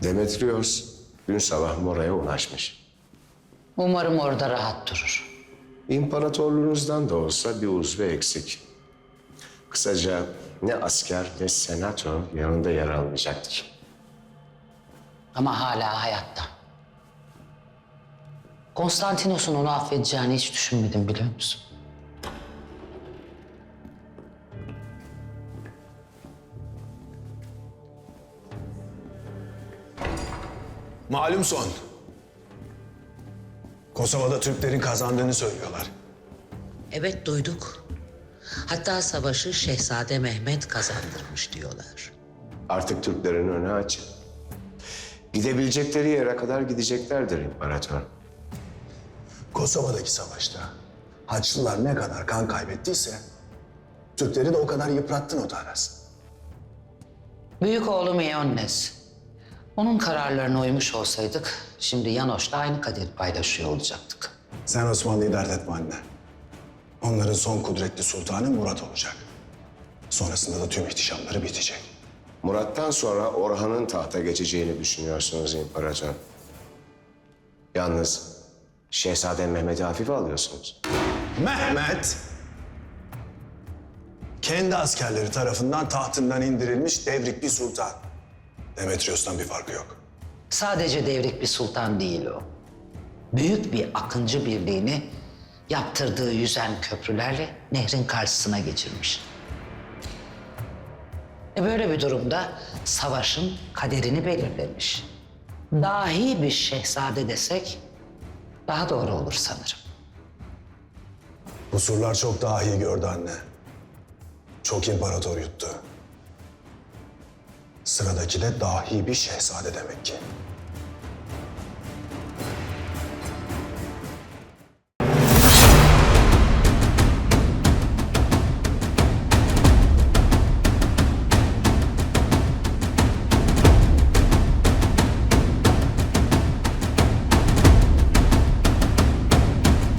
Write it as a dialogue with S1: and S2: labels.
S1: Demetrios dün sabah Mora'ya ulaşmış.
S2: Umarım orada rahat durur.
S1: İmparatorluğunuzdan da olsa bir uzvu eksik. Kısaca ne asker ne senato yanında yer almayacaktı.
S2: Ama hala hayatta. Konstantinos'un onu affedeceğini hiç düşünmedim, biliyor musun?
S3: Malum son. Kosova'da Türklerin kazandığını söylüyorlar.
S4: Evet, duyduk. Hatta savaşı Şehzade Mehmet kazandırmış diyorlar.
S1: Artık Türklerin önü açık. Gidebilecekleri yere kadar gideceklerdir imparator.
S3: Kosova'daki savaşta Haçlılar ne kadar kan kaybettiyse Türkleri de o kadar yıprattın o Aras.
S2: Büyük oğlum Ioannes. Onun kararlarına uymuş olsaydık şimdi Yanoş'la aynı kaderi paylaşıyor olacaktık.
S3: Sen Osmanlı'yı dert etme anne. Onların son kudretli sultanı Murat olacak. Sonrasında da tüm ihtişamları bitecek.
S1: Murat'tan sonra Orhan'ın tahta geçeceğini düşünüyorsunuz imparator. Yalnız Şehzade Mehmet'i hafife alıyorsunuz.
S3: Mehmet, kendi askerleri tarafından tahtından indirilmiş devrik bir sultan. Demetrios'tan bir farkı yok.
S2: Sadece devrik bir sultan değil o. Büyük bir akıncı birliğini yaptırdığı yüzen köprülerle nehrin karşısına geçirmiş. Böyle bir durumda savaşın kaderini belirlemiş. Dahi bir şehzade desek daha doğru olur sanırım.
S3: Bu surlar çok dahi gördü anne. Çok imparator yuttu. Sıradaki de dahi bir şehzade demek ki.